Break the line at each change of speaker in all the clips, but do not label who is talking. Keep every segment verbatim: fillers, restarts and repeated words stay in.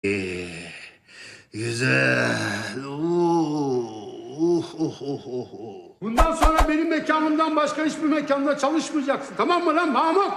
Ee, güzel. Oh, oh, oh, oh, oh.
Bundan sonra benim mekanımdan başka hiçbir mekanda çalışmayacaksın. Tamam mı lan Mahmut?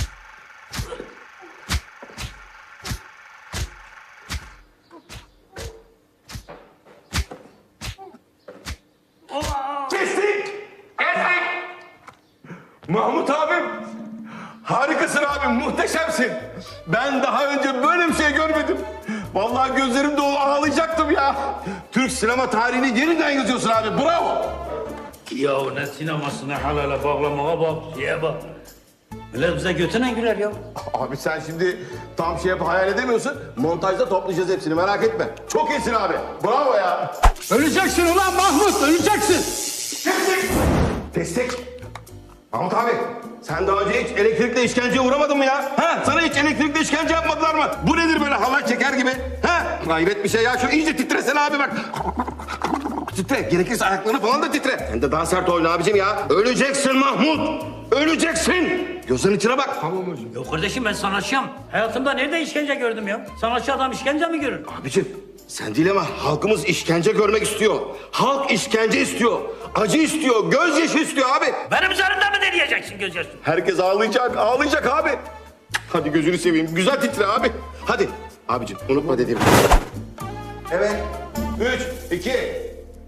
Kestik! Kestik! Mahmut abim, harikasın abim, muhteşemsin. Ben daha önce böyle bir şey görmedim. Vallahi gözlerim dolu ağlayacaktım ya. Türk sinema tarihini yeniden yazıyorsun abi, bravo.
Ya ne sineması ne halale bağlamaya bak, şeye bak. Millet bize götüne güler ya.
Abi sen şimdi tam şey yapıp hayal edemiyorsun. Montajda toplayacağız hepsini, merak etme. Çok iyisin abi, bravo ya.
Öleceksin ulan Mahmut, öleceksin.
Kestik! Kestik! Mahmut abi, sen daha önce hiç elektrikle işkenceye uğramadın mı ya? Ha? Sana hiç elektrikle işkence yapmadılar mı? Bu nedir böyle halay çeker gibi? Ha? Hayret bir şey ya. Şu iyice titresene abi bak. Titre. Gerekirse ayaklarını falan da titre. Sen de daha sert oyna abicim ya. Öleceksin Mahmut. Öleceksin. Gözlerinin içine bak. Tamam hocam.
Yok kardeşim ben sanatçıyım. Hayatımda nerede işkence gördüm ya? Sanatçı adam işkence mi görür?
Abicim sen değil ama halkımız işkence görmek istiyor. Halk işkence istiyor. Acı istiyor. Gözyaşı istiyor abi.
Benim üzerimde mi deneyeceksin gözyaşı?
Herkes ağlayacak, ağlayacak abi. Hadi gözünü seveyim, güzel titre abi. Hadi. Abicim unutma dediğimi. Evet. Üç, iki.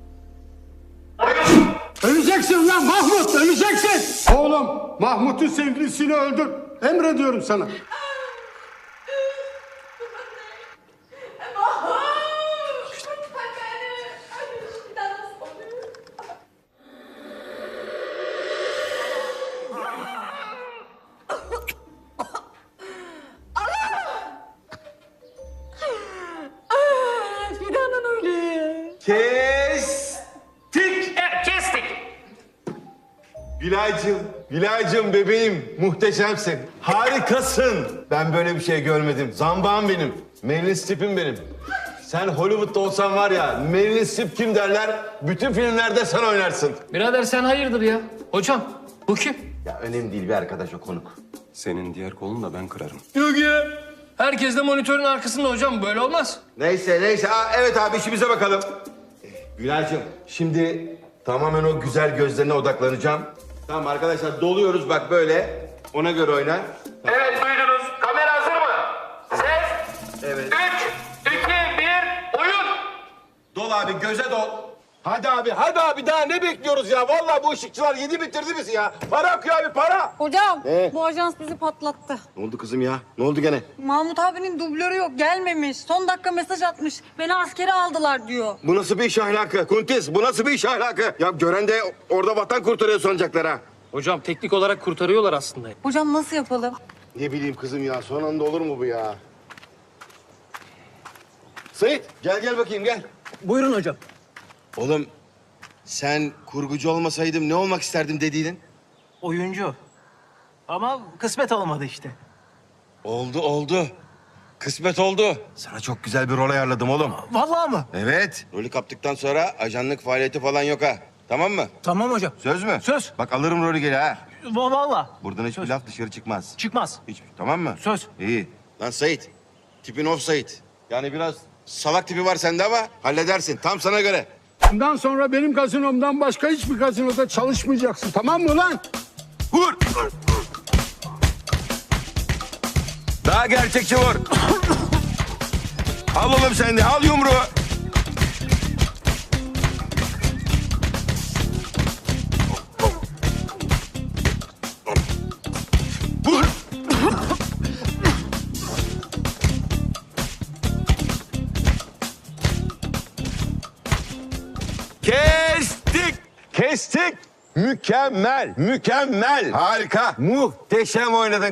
Öleceksin ulan Mahmut, öleceksin. Oğlum, Mahmut'un sevgilisini öldür. Emrediyorum sana.
Fidan'ın öyle.
Kestik.
Evet kestik.
Gülaycığım, Gülaycığım bebeğim. Muhteşemsin. Harikasın. Ben böyle bir şey görmedim. Zambağım benim. Meryl Streep'im benim. Sen Hollywood'da olsan var ya, Meryl Streep kim derler? Bütün filmlerde sen oynarsın.
Birader sen hayırdır ya? Hocam bu kim?
Ya önemli değil bir arkadaş o konuk.
Senin diğer kolunu da ben kırarım.
Yok ya. Herkes de monitörün arkasında hocam. Böyle olmaz.
Neyse neyse. Aa, evet abi işimize bakalım. Ee, Gülaycığım şimdi tamamen o güzel gözlerine odaklanacağım. Tamam arkadaşlar doluyoruz bak böyle. Ona göre oyna.
Evet duydunuz. Kamera hazır mı? Ses.
Evet.
Üç, iki, bir, oyun.
Dol abi göze dol. Hadi abi hadi abi daha ne bekliyoruz ya? Vallahi bu ışıkçılar yedi bitirdi bizi ya. Para akıyor abi para.
Hocam
Ne?
bu ajans bizi patlattı.
Ne oldu kızım ya? Ne oldu gene?
Mahmut abinin dublörü yok gelmemiş. Son dakika mesaj atmış. Beni askere aldılar diyor.
Bu nasıl bir iş ahlakı? Kuntis bu nasıl bir iş ahlakı? Ya gören de orada vatan kurtarıyor sanacaklar ha.
Hocam teknik olarak kurtarıyorlar aslında.
Hocam nasıl yapalım?
Ne bileyim kızım ya son anda olur mu bu ya? Sait gel gel bakayım gel.
Buyurun hocam.
Oğlum sen kurgucu olmasaydım ne olmak isterdim dediydin?
Oyuncu. Ama kısmet olmadı işte.
Oldu oldu. Kısmet oldu. Sana çok güzel bir rol ayarladım oğlum.
Vallahi mı?
Evet. Rolü kaptıktan sonra ajanlık faaliyeti falan yok ha. Tamam mı?
Tamam hocam.
Söz mü?
Söz.
Bak alırım rolü geri ha.
Va- Vallahi.
Buradan hiçbir laf dışarı çıkmaz.
Çıkmaz.
Hiç, tamam mı?
Söz.
İyi. Lan Sait, tipin off Sait. Yani biraz salak tipi var sende ama halledersin. Tam sana göre.
Bundan sonra benim gazinomdan başka hiçbir gazinoda çalışmayacaksın. Tamam mı lan?
Vur! Daha gerçekçi vur. Al oğlum sen de, al yumruğu. Vur! Kestik! Kestik! Mükemmel, mükemmel. Harika. Muhteşem oynadın